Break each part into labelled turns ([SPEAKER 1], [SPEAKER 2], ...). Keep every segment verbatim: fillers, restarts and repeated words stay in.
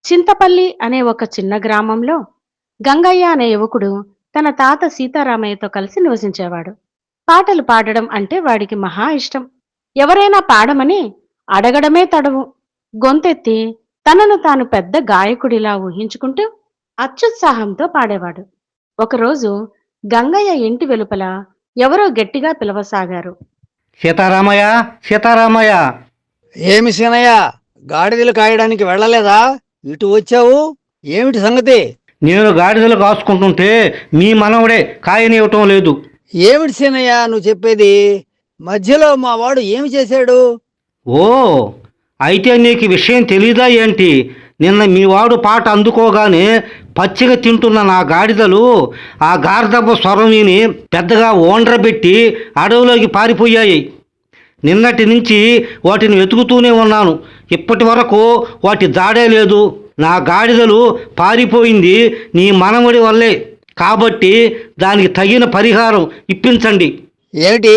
[SPEAKER 1] చింతపల్లి అనే ఒక చిన్న గ్రామంలో గంగయ్య అనే యువకుడు తన తాత సీతారామయ్యతో కలిసి నివసించేవాడు. పాటలు పాడడం అంటే వాడికి మహా ఇష్టం. ఎవరైనా పాడమని అడగడమే తడవు. గొంతెత్తి తనను తాను పెద్ద గాయకుడిలా ఊహించుకుంటూ అత్యుత్సాహంతో పాడేవాడు. ఒకరోజు గంగయ్య ఇంటి వెలుపల ఎవరో గట్టిగా పిలవసాగారు.
[SPEAKER 2] సీతారామయ్య, సీతారామయ్య.
[SPEAKER 3] ఏమి సీనయ్య, గాడిదలు కాయడానికి వెళ్ళలేదా? ఇటు వచ్చావు, ఏమిటి సంగతి?
[SPEAKER 2] నేను గాడిదలు కాసుకుంటుంటే మీ మనవడే కాయనివ్వటం లేదు.
[SPEAKER 3] ఏమిటి సీనయ్య నువ్వు చెప్పేది? మధ్యలో మా వాడు ఏమి చేశాడు?
[SPEAKER 2] ఓ, అయితే నీకు విషయం తెలీదా ఏంటి? నిన్న మీ వాడు పాట అందుకోగానే పచ్చిగా తింటున్న నా గాడిదలు ఆ గార్ధపు స్వరం విని పెద్దగా ఓండ్రబెట్టి అడవిలోకి పారిపోయాయి. నిన్నటి నుంచి వాటిని వెతుకుతూనే ఉన్నాను. ఇప్పటి వరకు వాటి జాడే లేదు. నా గాడిదలు పారిపోయింది నీ మనవడి వల్లే. కాబట్టి దానికి తగిన పరిహారం ఇప్పించండి.
[SPEAKER 3] ఏమిటి?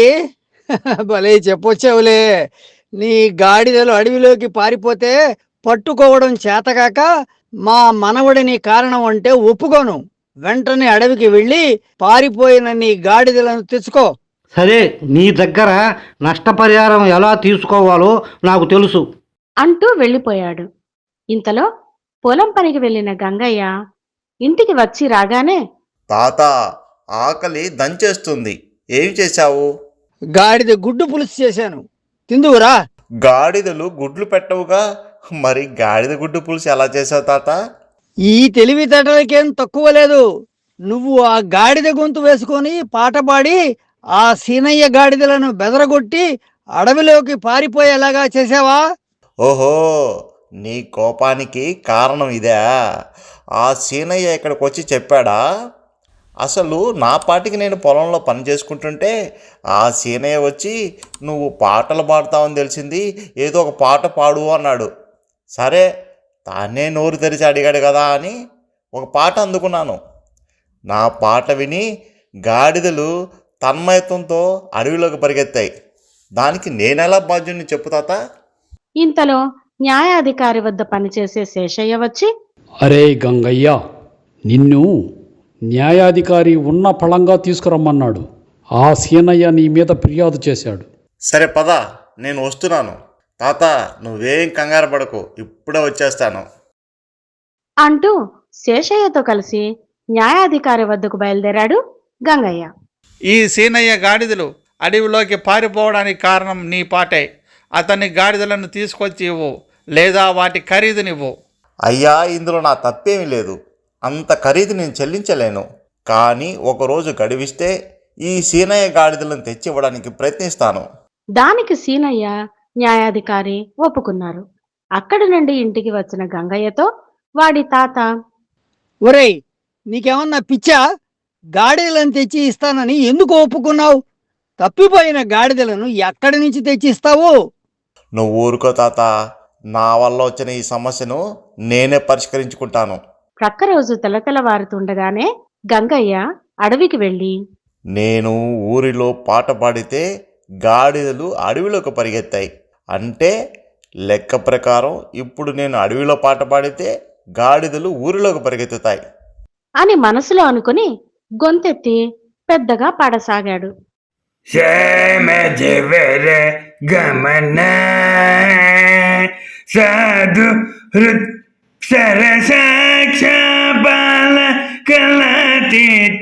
[SPEAKER 3] భలే చెప్పొచ్చావులే. నీ గాడిదలు అడవిలోకి పారిపోతే పట్టుకోవడం చేతకాక మా మనవడిని కారణం అంటే ఒప్పుకోను. వెంటనే అడవికి వెళ్ళి పారిపోయిన నీ గాడిదలను తెచ్చుకో.
[SPEAKER 2] సరే, నీ దగ్గర నష్టపరిహారం ఎలా తీసుకోవాలో నాకు తెలుసు
[SPEAKER 1] అంటూ వెళ్ళిపోయాడు. ఇంతలో పొలం పనికి వెళ్ళిన గంగయ్య ఇంటికి వచ్చి రాగానే,
[SPEAKER 4] తాత, ఆకలి దంచేస్తుంది. ఏం చేశావు?
[SPEAKER 3] గాడిద గుడ్డు పులుసు చేశాను, తిందువురా.
[SPEAKER 4] గాడిదలు గుడ్లు పెట్టవుగా, మరి గాడిద గుడ్డు పులుసు ఎలా చేసావు తాత?
[SPEAKER 3] ఈ తెలివితేటలకేం తక్కువ లేదు. నువ్వు ఆ గాడిద గొంతు వేసుకొని పాట పాడి ఆ సీనయ్య గాడిదలను బెదరగొట్టి అడవిలోకి పారిపోయేలాగా చేసావా?
[SPEAKER 4] ఓహో, నీ కోపానికి కారణం ఇదే. ఆ సీనయ్య ఇక్కడికి వచ్చి చెప్పాడా? అసలు నా పాటికి నేను పొలంలో పని చేసుకుంటుంటే ఆ సీనయ్య వచ్చి నువ్వు పాటలు పాడతావని తెలిసింది, ఏదో ఒక పాట పాడు అన్నాడు. సరే, తానే నోరు తెరిచి అడిగాడు కదా అని ఒక పాట అందుకున్నాను. నా పాట విని గాడిదలు తన్మయత్వంతో అడవిలోకి పరిగెత్తాయి. దానికి నేనెలా బాధ్యుని చెప్పు తాత?
[SPEAKER 1] ఇంతలో న్యాయాధికారి వద్ద పనిచేసే శేషయ్య వచ్చి,
[SPEAKER 5] అరే గంగయ్య, నిన్ను న్యాయాధికారి ఉన్న ఫలంగా తీసుకురమ్మన్నాడు. ఆ సీనయ్య నీ మీద ఫిర్యాదు చేశాడు.
[SPEAKER 4] సరే పద, నేను వస్తున్నాను. తాత, నువ్వేం కంగారు పడకు, ఇప్పుడే వచ్చేస్తాను
[SPEAKER 1] అంటూ శేషయ్యతో కలిసి న్యాయాధికారి వద్దకు బయలుదేరాడు గంగయ్య.
[SPEAKER 6] ఈ సీనయ్య గాడిదలు అడవిలోకి పారిపోవడానికి కారణం నీ పాటే. అతని గాడిదలను తీసుకొచ్చి ఇవ్వు, లేదా వాటి ఖరీదునివ్వు.
[SPEAKER 4] అయ్యా, ఇందులో నా తప్పేమీ లేదు. అంత ఖరీదు నేను చెల్లించలేను. కానీ ఒకరోజు గడివిస్తే ఈ సీనయ్య గాడిదలను తెచ్చి ఇవ్వడానికి ప్రయత్నిస్తాను.
[SPEAKER 1] దానికి సీనయ్య, న్యాయాధికారి ఒప్పుకున్నారు. అక్కడి నుండి ఇంటికి వచ్చిన గంగయ్యతో వాడి తాత,
[SPEAKER 3] ఒరేయ్, నీకేమన్నా పిచ్చా? గాడిదలను తెచ్చి ఇస్తానని ఎందుకు ఒప్పుకున్నావు? తప్పిపోయిన గాడిదలను ఎక్కడి నుంచి తెచ్చి ఇస్తావు?
[SPEAKER 4] నువ్వు ఊరుకో తాత, నా వల్ల వచ్చిన ఈ సమస్యను నేనే పరిష్కరించుకుంటాను.
[SPEAKER 1] ప్రక్క రోజు తెలతెలవారుతుండగానే గంగయ్య అడవికి వెళ్ళి,
[SPEAKER 4] నేను ఊరిలో పాట పాడితే గాడిదలు అడవిలోకి పరిగెత్తాయి. అంటే లెక్క ప్రకారం ఇప్పుడు నేను అడవిలో పాట పాడితే గాడిదలు ఊరిలోకి పరిగెత్తుతాయి
[SPEAKER 1] అని మనసులో అనుకుని గొంతెత్తి పెద్దగా పాడసాగాడు.
[SPEAKER 7] గమన సాధు సరసాక్ష బాల కలతీత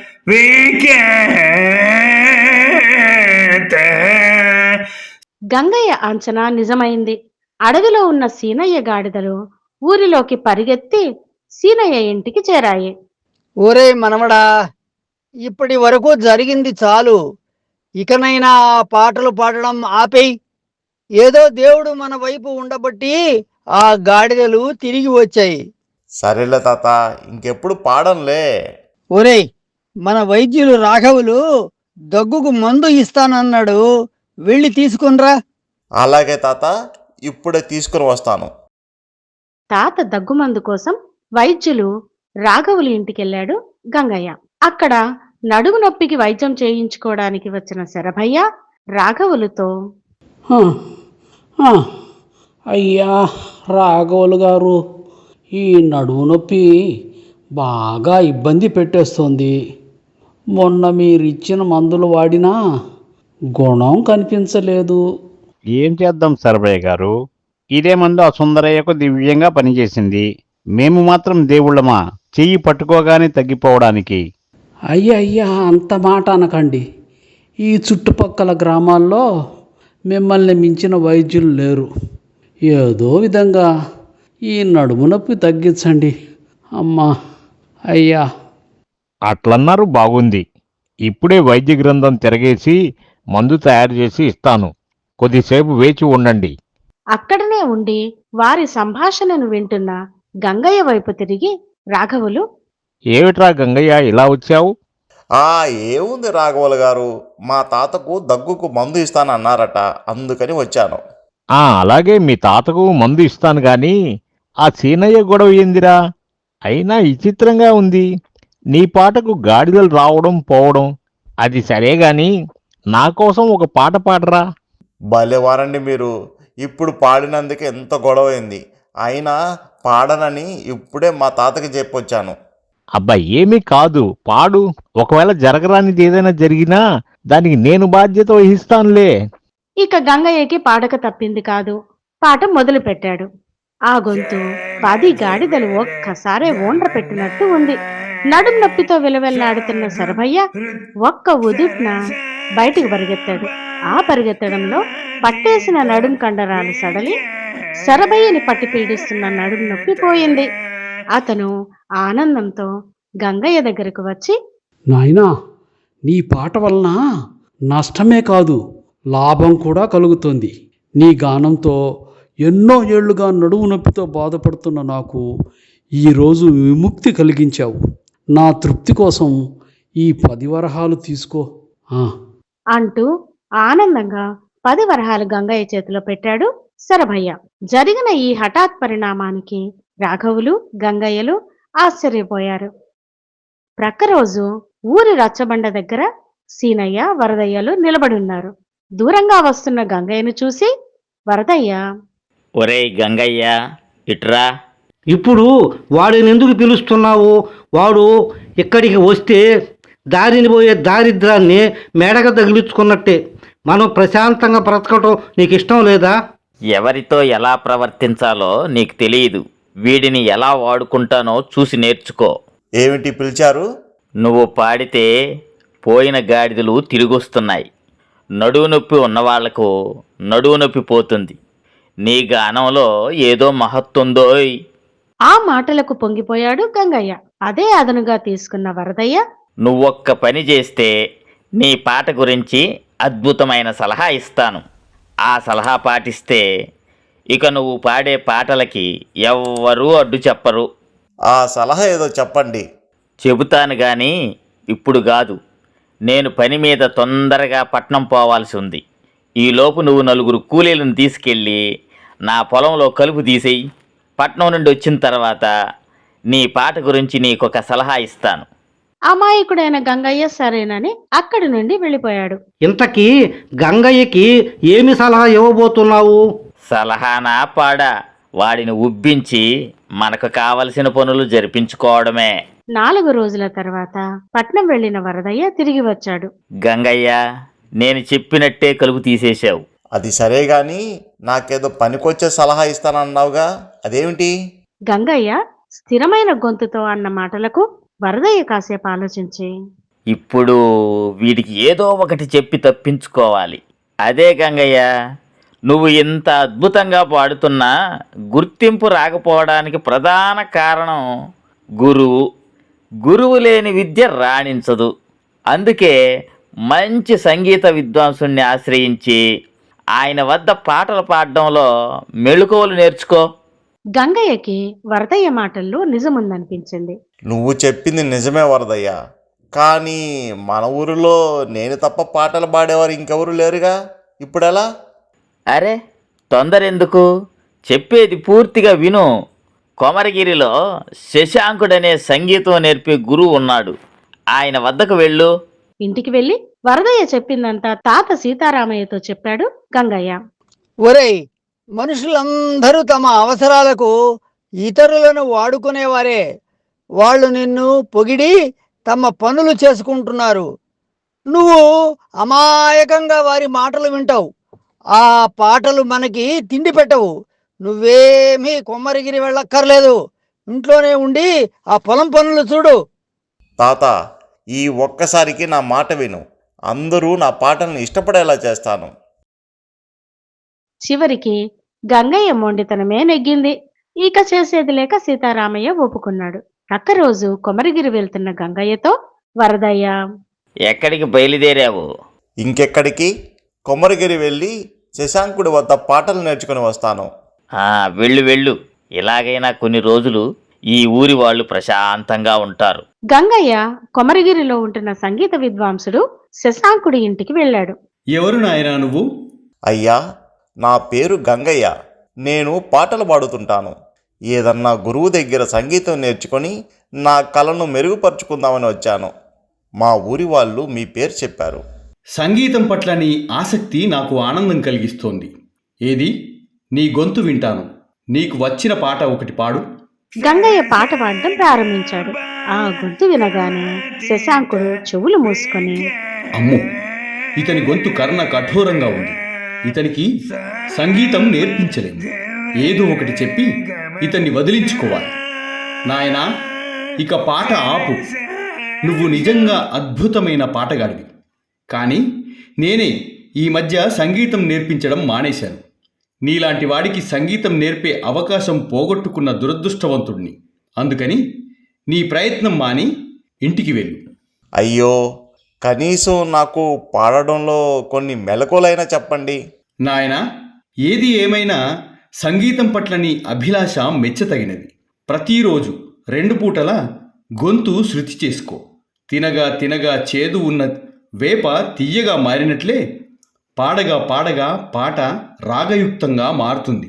[SPEAKER 7] విఖ్యాత.
[SPEAKER 1] గంగయ్య అంచనా నిజమైంది. అడవిలో ఉన్న సీనయ్య గాడిదలు ఊరిలోకి పరిగెత్తి సీనయ్య ఇంటికి చేరాయి.
[SPEAKER 3] ఒరే మనవడా, ఇప్పటి వరకు జరిగింది చాలు. ఇకనైనా ఆ పాటలు పాడడం ఆపేయ్. ఏదో దేవుడు మన వైపు ఉండబట్టి ఆ గాడిదలు తిరిగి వచ్చాయి.
[SPEAKER 4] సరేలే తాత, ఇంకెప్పుడు పాడంలే.
[SPEAKER 3] ఒరేయ్, మన వైద్యులు రాఘవులు దగ్గుకు మందు ఇస్తానన్నాడు, వెళ్ళి తీసుకునిరా.
[SPEAKER 4] అలాగే తాత, ఇప్పుడే తీసుకుని వస్తాను.
[SPEAKER 1] తాత దగ్గుమందు కోసం వైద్యులు రాఘవులు ఇంటికెళ్ళాడు గంగయ్య. అక్కడ నడుము నొప్పికి వైద్యం చేయించుకోవడానికి వచ్చిన శరభయ్య రాఘవులతో,
[SPEAKER 5] "హ, హ, అయ్యా రాఘవులు గారు, ఈ నడుము నొప్పి బాగా ఇబ్బంది పెట్టేస్తోంది. మొన్న మీరిచ్చిన మందులు వాడినా గుణం కనిపించలేదు.
[SPEAKER 8] ఏం చేద్దాం సర్వయ్య గారు, ఇదే మందు ఆ సుందరయ్యకు దివ్యంగా పనిచేసింది. మేము మాత్రం దేవుళ్ళమా చెయ్యి పట్టుకోగానే తగ్గిపోవడానికి?
[SPEAKER 5] అయ్యా అయ్యా అంత మాట అనకండి. ఈ చుట్టుపక్కల గ్రామాల్లో మిమ్మల్ని మించిన వైద్యులు లేరు. ఏదో విధంగా ఈ నడుము నొప్పి తగ్గించండి అమ్మా. అయ్యా
[SPEAKER 8] అట్లన్నారు బాగుంది. ఇప్పుడే వైద్య గ్రంథం తిరగేసి మందు తయారు చేసి ఇస్తాను. కొద్దిసేపు వేచి ఉండండి.
[SPEAKER 1] అక్కడనే ఉండి వారి సంభాషణను వింటున్న గంగయ్య వైపు తిరిగి రాఘవులు,
[SPEAKER 8] ఏమిట్రా గంగయ్య ఇలా వచ్చావు?
[SPEAKER 4] ఆ ఏముంది రాఘవులు గారు, మా తాతకు దగ్గుకు మందు ఇస్తానన్నారట, అందుకని వచ్చాను.
[SPEAKER 8] ఆ అలాగే మీ తాతకు మందు ఇస్తాను గాని ఆ సీనయ్య గొడవ ఏందిరా? అయినా విచిత్రంగా ఉంది. నీ పాటకు గాడిదలు రావడం పోవడం అది సరే గాని నా కోసం ఒక పాట పాడరా.
[SPEAKER 4] భలేవారండి మీరు, ఇప్పుడు పాడినందుకే ఎంత గొడవైంది. అయినా పాడనని ఇప్పుడే మా తాతకి చెప్పొచ్చాను.
[SPEAKER 8] అబ్బా ఏమీ కాదు, పాడు. ఒకవేళ జరగరానిది ఏదైనా జరిగినా దానికి నేను బాధ్యత వహిస్తానులే.
[SPEAKER 1] ఇక గంగయ్యకి పాడక తప్పింది కాదు. పాట మొదలు పెట్టాడు. ఆ గొంతు పది గాడిదలు ఒక్కసారే ఓండ్ర పెట్టినట్టు ఉంది. నడుం నొప్పితో విలవెల్లాడుతున్న శరభయ్య ఒక్క ఉదుట్న బయటికి పరిగెత్తాడు. ఆ పరిగెత్తడంలో పట్టేసిన నడుం కండరాలు సడలి శరభయ్యని పట్టి పీడిస్తున్న నడుం నొప్పి పోయింది. అతను ఆనందంతో గంగయ్య దగ్గరకు వచ్చి,
[SPEAKER 5] నాయనా, నీ పాట వలన నష్టమే కాదు లాభం కూడా కలుగుతుంది. నీ గానంతో ఎన్నో ఏళ్లుగా నడుము నొప్పితో బాధపడుతున్న నాకు ఈరోజు విముక్తి కలిగించావు. నా తృప్తి కోసం ఈ పది వరహాలు తీసుకో ఆ.
[SPEAKER 1] అంటూ ఆనందంగా పది వరహాలు గంగయ్య చేతిలో పెట్టాడు శరభయ్య. జరిగిన ఈ హఠాత్ పరిణామానికి రాఘవులు గంగయ్యలు ఆశ్చర్యపోయారు. ప్రక్కరోజు ఊరి రచ్చబండ దగ్గర సీనయ్య వరదయ్యలు నిలబడున్నారు. దూరంగా వస్తున్న గంగయ్యను చూసి వరదయ్య,
[SPEAKER 9] ఒరేయ్ గంగయ్య, ఇట్రా.
[SPEAKER 2] ఇప్పుడు వాడిని ఎందుకు పిలుస్తున్నావు? వాడు ఇక్కడికి వస్తే దారిని పోయే దారిద్రాన్ని మెడగ తగిలించుకున్నట్టే. మనం ప్రశాంతంగా బ్రతకటం నీకు ఇష్టం లేదా?
[SPEAKER 9] ఎవరితో ఎలా ప్రవర్తించాలో నీకు తెలియదు. వీడిని ఎలా వాడుకుంటానో చూసి నేర్చుకో.
[SPEAKER 4] ఏమిటి పిలిచారు?
[SPEAKER 9] నువ్వు పాడితే పోయిన గాడిదలు తిరిగొస్తున్నాయి. నడువు నొప్పి ఉన్నవాళ్లకు నడువు నొప్పి పోతుంది. నీ గానంలో ఏదో మహత్తుందోయ్.
[SPEAKER 1] ఆ మాటలకు పొంగిపోయాడు గంగయ్య. అదే అదనుగా తీసుకున్న వరదయ్య,
[SPEAKER 9] నువ్వొక్క పని చేస్తే నీ పాట గురించి అద్భుతమైన సలహా ఇస్తాను. ఆ సలహా పాటిస్తే ఇక నువ్వు పాడే పాటలకి ఎవ్వరూ అడ్డు చెప్పరు.
[SPEAKER 4] ఆ సలహా ఏదో చెప్పండి.
[SPEAKER 9] చెబుతాను కానీ ఇప్పుడు కాదు. నేను పని మీద తొందరగా పట్నం పోవాల్సి ఉంది. ఈలోపు నువ్వు నలుగురు కూలీలను తీసుకెళ్ళి నా పొలంలో కలుపు తీసేయి. పట్నం నుండి వచ్చిన తర్వాత నీ పాట గురించి నీకొక సలహా ఇస్తాను.
[SPEAKER 1] అమాయకుడైన గంగయ్య సరేనని అక్కడి నుండి వెళ్ళిపోయాడు.
[SPEAKER 2] ఇంతకీ గంగయ్యకి ఏమి సలహా ఇవ్వబోతున్నావు?
[SPEAKER 9] సలహానా పాడా, వాడిని ఉబ్బించి మనకు కావలసిన పనులు జరిపించుకోవడమే.
[SPEAKER 1] నాలుగు రోజుల తర్వాత పట్నం వెళ్లిన వరదయ్య తిరిగి వచ్చాడు.
[SPEAKER 9] గంగయ్య, నేను చెప్పినట్టే కలుపు తీసేశావు.
[SPEAKER 4] అది సరే గాని నాకేదో పనికొచ్చే సలహా ఇస్తానన్నావుగా, అదేమిటి?
[SPEAKER 1] గంగయ్య స్థిరమైన గొంతుతో అన్న మాటలకు వరదయ్య కాసేపు ఆలోచించి,
[SPEAKER 9] ఇప్పుడు వీడికి ఏదో ఒకటి చెప్పి తప్పించుకోవాలి. అదే గంగయ్య, నువ్వు ఇంత అద్భుతంగా పాడుతున్నా గుర్తింపు రాకపోవడానికి ప్రధాన కారణం గురువు. గురువు లేని విద్య రాణించదు. అందుకే మంచి సంగీత విద్వాంసుణ్ణి ఆశ్రయించి ఆయన వద్ద పాటలు పాడడంలో మెళుకువలు నేర్చుకో.
[SPEAKER 1] గంగయ్యకి వరదయ్య మాటల్లో నిజముందనిపించింది.
[SPEAKER 4] నువ్వు చెప్పింది నిజమే వరదయ్య, కానీ మన ఊరిలో నేను తప్ప పాటలు పాడేవారు ఇంకెవరు లేరుగా, ఇప్పుడెలా?
[SPEAKER 9] అరే తొందరెందుకు, చెప్పేది పూర్తిగా విను. కొమరగిరిలో శశాంకుడనే సంగీతం నేర్పే గురువు ఉన్నాడు. ఆయన వద్దకు వెళ్ళు.
[SPEAKER 1] ఇంటికి వెళ్లి వరదయ్య చెప్పిందంతా తాత సీతారామయ్యతో చెప్పాడు గంగయ్య.
[SPEAKER 3] ఒరేయ్, మనుషులందరూ తమ అవసరాలకు ఇతరులను వాడుకునేవారే. వాళ్ళు నిన్ను పొగిడి తమ పనులు చేసుకుంటున్నారు. నువ్వు అమాయకంగా వారి మాటలు వింటావు. ఆ పాటలు మనకి తిండి పెట్టవు. నువ్వేమీ కొమ్మరిగిరి వెళ్ళక్కర్లేదు. ఇంట్లోనే ఉండి ఆ పొలం పనులు చూడు.
[SPEAKER 4] తాత, ఈ ఒక్కసారికి నా మాట విను. అందరూ నా పాటలను ఇష్టపడేలా చేస్తాను.
[SPEAKER 1] చివరికి గంగయ్య మొండితనమే నెగ్గింది. ఇక చేసేది లేక సీతారామయ్య ఒప్పుకున్నాడు. ప్రక్క రోజు కొమరగిరి వెళ్తున్న గంగయ్యతో, వరదయ్య,
[SPEAKER 9] ఎక్కడికి బయలుదేరావు?
[SPEAKER 4] ఇంకెక్కడికి? కొమరగిరి వెళ్ళి శశాంకుడి వద్ద పాటలు నేర్చుకుని వస్తాను.
[SPEAKER 9] ఆ, వెళ్ళు వెళ్ళు. ఇలాగైనా కొన్ని రోజులు ఈ ఊరి వాళ్ళు ప్రశాంతంగా ఉంటారు.
[SPEAKER 1] గంగయ్య కొమరగిరిలో ఉంటున్న సంగీత విద్వాంసుడు శశాంకుడి ఇంటికి వెళ్ళాడు.
[SPEAKER 10] ఎవరు నాయనా నువ్వు?
[SPEAKER 4] అయ్యా, నా పేరు గంగయ్య. నేను పాటలు పాడుతుంటాను. ఏదన్నా గురువు దగ్గర సంగీతం నేర్చుకొని నా కళను మెరుగుపరుచుకుందామని వచ్చాను. మా ఊరి వాళ్ళు మీ పేరు చెప్పారు.
[SPEAKER 10] సంగీతం పట్ల నీ ఆసక్తి నాకు ఆనందం కలిగిస్తోంది. ఏది, నీ గొంతు వింటాను. నీకు వచ్చిన పాట ఒకటి పాడు.
[SPEAKER 1] గంగయ్య పాట పాడడం ప్రారంభించాడు. ఆ గొంతు వినగానే శశాంకుడు చెవులు మూసుకొని,
[SPEAKER 10] అమ్మో, ఇతని గొంతు కర్ణ కఠోరంగా ఉంది. ఇతనికి సంగీతం నేర్పించలేము. ఏదో ఒకటి చెప్పి ఇతన్ని వదిలించుకోవాలి. నాయనా, ఇక పాట ఆపు. నువ్వు నిజంగా అద్భుతమైన పాటగాడివి. కానీ నేనే ఈ మధ్య సంగీతం నేర్పించడం మానేశాను. నీలాంటి వాడికి సంగీతం నేర్పే అవకాశం పోగొట్టుకున్న దురదృష్టవంతుడిని. అందుకని నీ ప్రయత్నం మాని ఇంటికి వెళ్ళు.
[SPEAKER 4] అయ్యో, కనీసం నాకు పాడడంలో కొన్ని మెలకువలైనా చెప్పండి.
[SPEAKER 10] నాయనా, ఏది ఏమైనా సంగీతం పట్ల నీ అభిలాష మెచ్చతగినది. ప్రతిరోజు రెండు పూటల గొంతు శృతి చేసుకో. తినగా తినగా చేదు ఉన్న వేప తియ్యగా మారినట్లే పాడగా పాడగా పాట రాగయుక్తంగా మారుతుంది.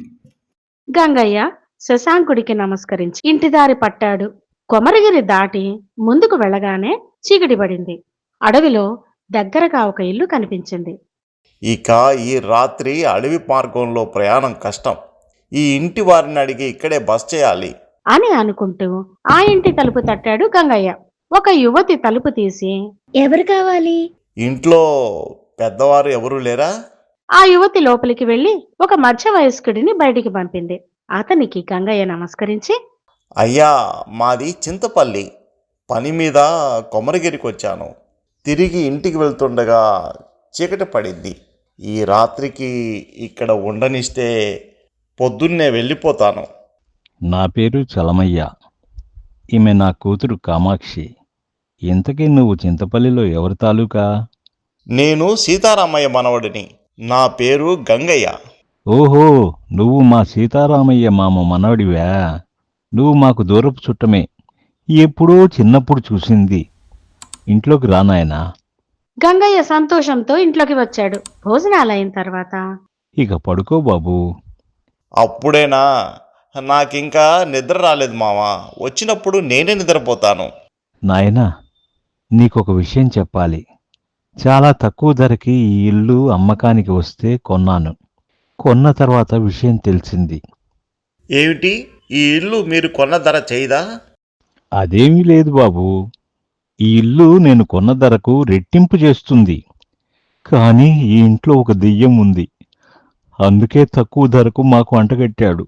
[SPEAKER 1] గంగయ్య శశాంకుడికి నమస్కరించి ఇంటిదారి పట్టాడు. కొమరగిరి దాటి ముందుకు వెళ్ళగానే చీకటి పడింది. అడవిలో దగ్గరగా ఒక ఇల్లు కనిపించింది.
[SPEAKER 4] ఇక ఈ రాత్రి అడవి మార్గంలో ప్రయాణం కష్టం. ఈ ఇంటి వారిని అడిగి ఇక్కడే బస్ చేయాలి
[SPEAKER 1] అని అనుకుంటూ ఆ ఇంటి తలుపు తట్టాడు గంగయ్య. ఒక యువతి తలుపు తీసి,
[SPEAKER 11] ఎవరు కావాలి?
[SPEAKER 4] ఇంట్లో పెద్దవారు ఎవరూ లేరా?
[SPEAKER 1] ఆ యువతి లోపలికి వెళ్లి ఒక మధ్య వయస్కుడిని బయటికి పంపింది. అతనికి గంగయ్య నమస్కరించి,
[SPEAKER 4] అయ్యా, మాది చింతపల్లి. పని మీద కొమరగిరికి వచ్చాను. తిరిగి ఇంటికి వెళ్తుండగా చీకటి పడింది. ఈ రాత్రికి ఇక్కడ ఉండనిస్తే పొద్దున్నే వెళ్ళిపోతాను.
[SPEAKER 8] నా పేరు చలమయ్య. ఈమె నా కూతురు కామాక్షి. ఇంతకీ నువ్వు చింతపల్లిలో ఎవరి తాలూకా?
[SPEAKER 4] నేను సీతారామయ్య మనవడిని. నా పేరు గంగయ్య.
[SPEAKER 8] ఓహో, నువ్వు మా సీతారామయ్య మామ మనవడివా? నువ్వు మాకు దూరపు చుట్టమే. ఎప్పుడో చిన్నప్పుడు చూసింది. ఇంట్లోకి రానాయనా.
[SPEAKER 1] గంగయ్య సంతోషంతో ఇంట్లోకి వచ్చాడు. భోజనాలైన తర్వాత,
[SPEAKER 8] ఇక పడుకో బాబూ.
[SPEAKER 4] అప్పుడేనా? నాకింకా నిద్ర రాలేదు మావా. వచ్చినప్పుడు నేనే నిద్రపోతాను.
[SPEAKER 8] నాయనా, నీకొక విషయం చెప్పాలి. చాలా తక్కువ ధరకి ఈ ఇల్లు అమ్మకానికి వస్తే కొన్నాను. కొన్న తర్వాత విషయం తెలిసింది.
[SPEAKER 4] ఏమిటి? ఈ ఇల్లు మీరు కొన్న ధర చేయదా?
[SPEAKER 8] అదేమీ లేదు బాబూ. ఈ ఇల్లు నేను కొన్న ధరకు రెట్టింపు చేస్తుంది. కానీ ఈ ఇంట్లో ఒక దెయ్యం ఉంది. అందుకే తక్కువ ధరకు మాకు అంటగట్టాడు.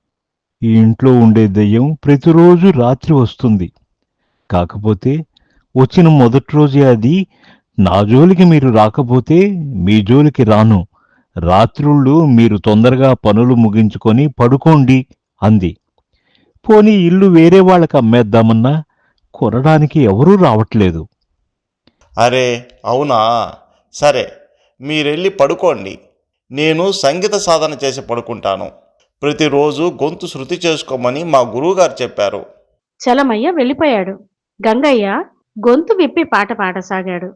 [SPEAKER 8] ఈ ఇంట్లో ఉండే దెయ్యం ప్రతిరోజు రాత్రి వస్తుంది. కాకపోతే వచ్చిన మొదటి రోజే అది, నా జోలికి మీరు రాకపోతే మీ జోలికి రాను, రాత్రుళ్ళు మీరు తొందరగా పనులు ముగించుకొని పడుకోండి అంది. పోనీ ఇల్లు వేరే వాళ్ళకి అమ్మేద్దామన్నా కొనడానికి ఎవరూ రావట్లేదు.
[SPEAKER 4] అరే అవునా? సరే, మీరెళ్ళి పడుకోండి. నేను సంగీత సాధన చేసి పడుకుంటాను. ప్రతిరోజు గొంతు శృతి చేసుకోమని మా గురువుగారు చెప్పారు.
[SPEAKER 1] చలమయ్య వెళ్ళిపోయాడు. గంగయ్య గొంతు విప్పి పాట పాడసాగాడు.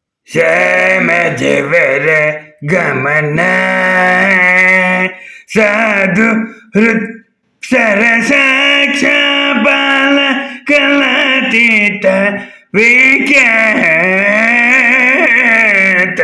[SPEAKER 7] శ్యామదేవర గమన సాధు హృత్ సరసాక్ష బాల కళాతీత విఖ్యాత.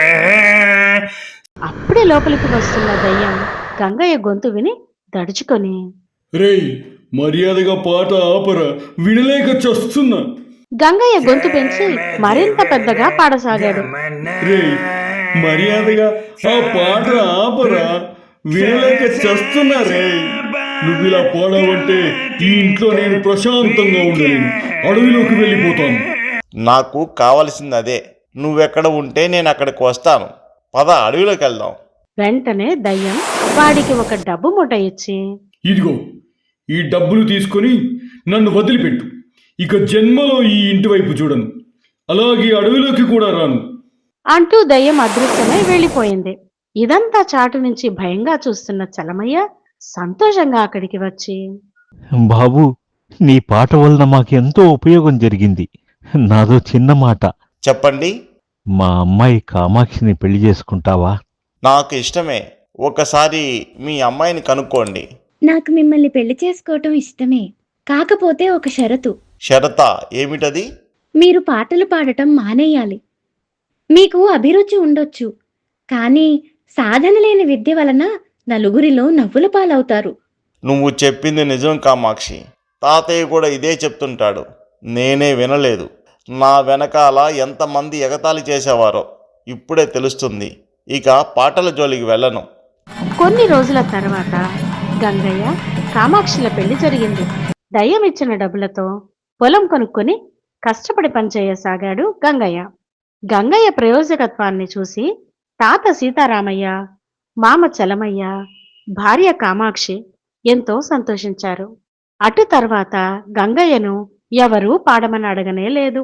[SPEAKER 1] అప్పుడే లోపలికి వస్తున్న దయ్యం గంగయ్య గొంతు విని దడుచుకొని,
[SPEAKER 5] రేయ్,
[SPEAKER 10] మర్యాదగా పాట ఆపరా, వినలేక చస్తున్నా.
[SPEAKER 1] గంగయ్య గొంతు పెంచి మరింత పెద్దగా పాడసాగాడు.
[SPEAKER 10] రే, మర్యాదగా ఆ పాట ఆపరా, వినలేక చస్తున్నా రే. నువ్వు ఇలా పాడావంటే ఈ ఇంట్లో నేను ప్రశాంతంగా ఉండలేను, అడవిలోకి వెళ్ళిపోతాను.
[SPEAKER 4] నాకు కావలసింది అదే. నువ్వెక్కడ ఉంటే నేను అక్కడికి వస్తాను. పద, అడవిలోకి వెళ్దాం.
[SPEAKER 1] వెంటనే దయ్యం వాడికి ఒక డబ్బు మూట ఇచ్చి,
[SPEAKER 10] ఇదిగో ఈ డబ్బులు తీసుకొని నన్ను వదిలిపెట్టు. ఇక జన్మలో ఈ ఇంటి వైపు చూడను, అలాగే అడవిలోకి కూడా రాను
[SPEAKER 1] అంటూ దయ్యం అదృశ్యమై వెళ్ళిపోయింది. ఇదంతా చాటు నుంచి భయంగా చూస్తున్న చలమయ్య సంతోషంగా అక్కడికి వచ్చి,
[SPEAKER 8] బాబు, నీ పాట వలన మాకెంతో ఉపయోగం జరిగింది. నాదో చిన్న మాట.
[SPEAKER 4] చెప్పండి.
[SPEAKER 8] మా అమ్మాయి కామాక్షిని పెళ్లి చేసుకుంటావా?
[SPEAKER 4] నాకు ఇష్టమే. ఒకసారి మీ అమ్మాయిని కనుక్కోండి.
[SPEAKER 11] నాకు మిమ్మల్ని పెళ్లి చేసుకోవటం ఇష్టమే, కాకపోతే ఒక షరతు.
[SPEAKER 4] షరతా? ఏమిటది?
[SPEAKER 11] మీరు పాటలు పాడటం మానేయాలి. మీకు అభిరుచి ఉండొచ్చు, కానీ సాధన లేని విద్య వలన నలుగురిలో నవ్వుల పాలవుతారు.
[SPEAKER 4] నువ్వు చెప్పింది నిజం కామాక్షి. తాతయ్య కూడా ఇదే చెప్తుంటాడు. నేనే వినలేదు. నా వెనకాల ఎంతమంది ఎగతాళి చేసేవారో ఇప్పుడే తెలుస్తుంది. ఇక పాటల జోలికి వెళ్ళను.
[SPEAKER 1] కొన్ని రోజుల తర్వాత గంగయ్య కామాక్షిల పెళ్లి జరిగింది. దయ్యం ఇచ్చిన డబ్బులతో పొలం కొనుక్కొని కష్టపడి పనిచేయసాగాడు గంగయ్య. గంగయ్య ప్రయోజకత్వాన్ని చూసి తాత సీతారామయ్య, మామ చలమయ్య, భార్య కామాక్షి ఎంతో సంతోషించారు. అటు తర్వాత గంగయ్యను ఎవరూ పాడమని అడగనే లేదు.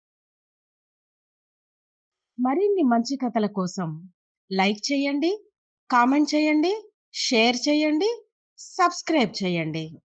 [SPEAKER 1] మరిన్ని మంచి కథల కోసం లైక్ చేయండి, కామెంట్ చేయండి, షేర్ చేయండి, సబ్స్క్రైబ్ చేయండి.